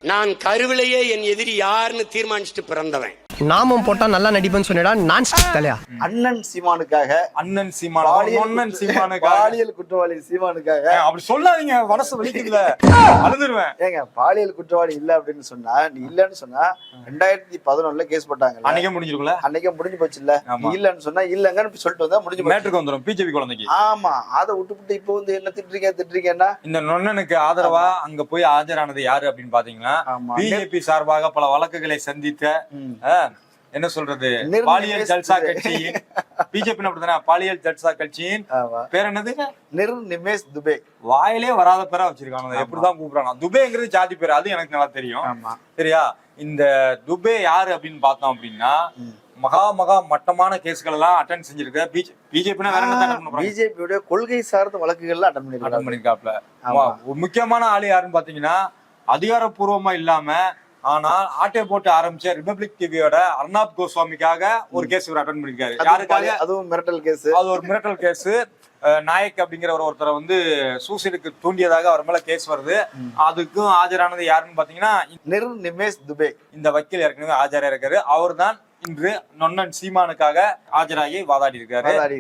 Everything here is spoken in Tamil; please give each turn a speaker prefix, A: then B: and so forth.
A: நான் கருவிலேயே என் எதிரி யாருன்னு தீர்மானிச்சுட்டு பிறந்தவன்.
B: நாமம் போட்டா நல்லா நடிப்பேன்னு சொன்னடா. நான் தலையா
C: அண்ணன் சீமானுக்காக,
D: அண்ணன் சீமானுக்காக,
C: பாலியல் குற்றவாளி சீமானுக்காக
D: அப்படி சொல்லாதீங்க, மனசு வலிக்குதுல, அழுதுருவேன்.
C: ஏங்க பாலியல் குற்றவாளி இல்ல அப்படின்னு சொன்னா, நீ இல்லன்னு சொன்னா 2011 கேஸ் போட்டாங்க,
D: அன்னைக்கே முடிஞ்சிருக்கும்ல,
C: அன்னைக்கே முடிஞ்சு போச்சு இல்ல. நீ இல்லன்னு சொன்னா இல்லங்கன்னு சொல்லிட்டு வந்தா முடிஞ்சு
D: மேட்ருக்கு வந்துரும் பிஜேபி குழந்தைக்கு.
C: ஆமா, அதை விட்டுவிட்டு இப்போ வந்து என்ன திட்டுறீங்கன்னா,
D: இந்த நொண்ணனுக்கு ஆதரவா அங்க போய் ஆஜரானது யாரு அப்படின்னு பாத்தீங்கன்னா, பிஜேபி சார்பாக பல வழக்குகளை சந்தித்த என்ன சொல்றது, பாலியல் ஜல்சா கட்சியின் பிஜேபி அப்படித்தானே, பாலியல் ஜல்சா கட்சியின் பேர் என்னது,
C: நிமேஷ் துபே.
D: வாயிலே வராத பேரா வச்சிருக்காங்க, எப்படிதான் கூப்பிடுறாங்க. துபேங்கிறது ஜாதி பேர், அது எனக்கு நல்லா தெரியும். சரியா, இந்த துபே யாரு அப்படின்னு பார்த்தோம் அப்படின்னா, மகா மட்டமான கேஸ்கள் எல்லாம் அட்டன் செஞ்சிருக்க. பிஜேபி வேற என்ன,
C: பிஜேபியோட கொள்கை சார்ந்த வழக்குகள்லாம் அட்டன்
D: பண்ணிருக்காப்ல. முக்கியமான ஆளு யாருன்னு பாத்தீங்கன்னா, அதிகாரப்பூர்வமா இல்லாம ஆனால் ஆட்டை போட்டு ஆரம்பிச்ச ரிபப்ளிக் டிவியோட அர்னாப் கோஸ்வாமிக்காக ஒரு கேஸ் இவர் அட்டன் பண்ணிருக்காரு. யாருக்காக?
C: அதுவும் மிரட்டல் கேஸ்.
D: அது ஒரு மிரட்டல் கேஸ். நாயக் அப்படிங்கிற ஒருத்தரை வந்து சூசைடுக்கு தூண்டியதாக அவர் மேல கேஸ் வருது. அதுக்கும் ஆஜரானது யாருன்னு பாத்தீங்கன்னா,
C: நிமேஷ் துபே.
D: இந்த வக்கீல் ஏற்கனவே ஆஜரா இருக்காரு. அவர் தான் இன்று நொண்ணன் சீமானுக்காக ஆஜராகி வாதாடி இருக்காரு.